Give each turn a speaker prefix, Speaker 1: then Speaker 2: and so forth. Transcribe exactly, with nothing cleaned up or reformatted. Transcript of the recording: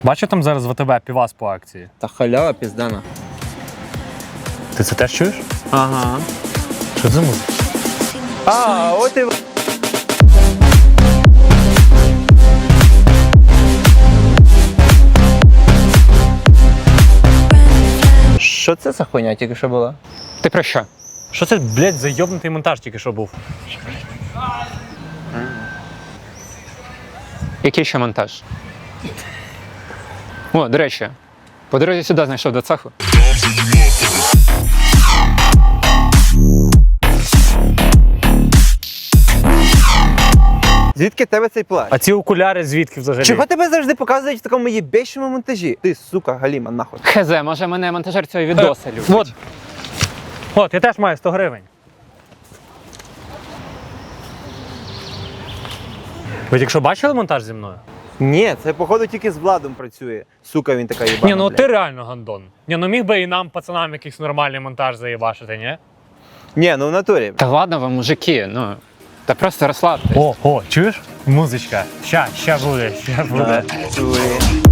Speaker 1: Бачу там зараз в АТБ півас по акції.
Speaker 2: Та халява піздана.
Speaker 1: Ти це теж чуєш?
Speaker 2: Ага.
Speaker 1: Що це за музика?
Speaker 2: А, от і... Що це за хуйня тільки що була?
Speaker 3: Ти про що?
Speaker 1: Що це, блядь, за йобнутий монтаж тільки що був?
Speaker 3: Який ще монтаж? О, до речі, по дорозі сюди знайшов до цеху.
Speaker 2: Звідки в тебе цей плащ?
Speaker 1: А ці окуляри звідки взагалі?
Speaker 2: Чого тебе завжди показують в такому єбейшому монтажі? Ти, сука, галіма, нахуй.
Speaker 3: Хз, може мене монтажер цього відоса любить.
Speaker 1: От. От, я теж маю сто гривень. Ви тільки що бачили монтаж зі мною?
Speaker 2: Ні, це походу тільки з Владом працює. Сука, він така єбана,
Speaker 1: Ні, ну
Speaker 2: блядь.
Speaker 1: ти реально гандон. Ні, ну міг би і нам, пацанам, якийсь нормальний монтаж заєбашити, ні?
Speaker 2: Ні, ну в натурі.
Speaker 3: Та ладно вам, мужики, ну. Та просто розслабтесь.
Speaker 1: О, о, чуєш? Музичка. Ща, ща буде, ща буде.
Speaker 2: Да, чує.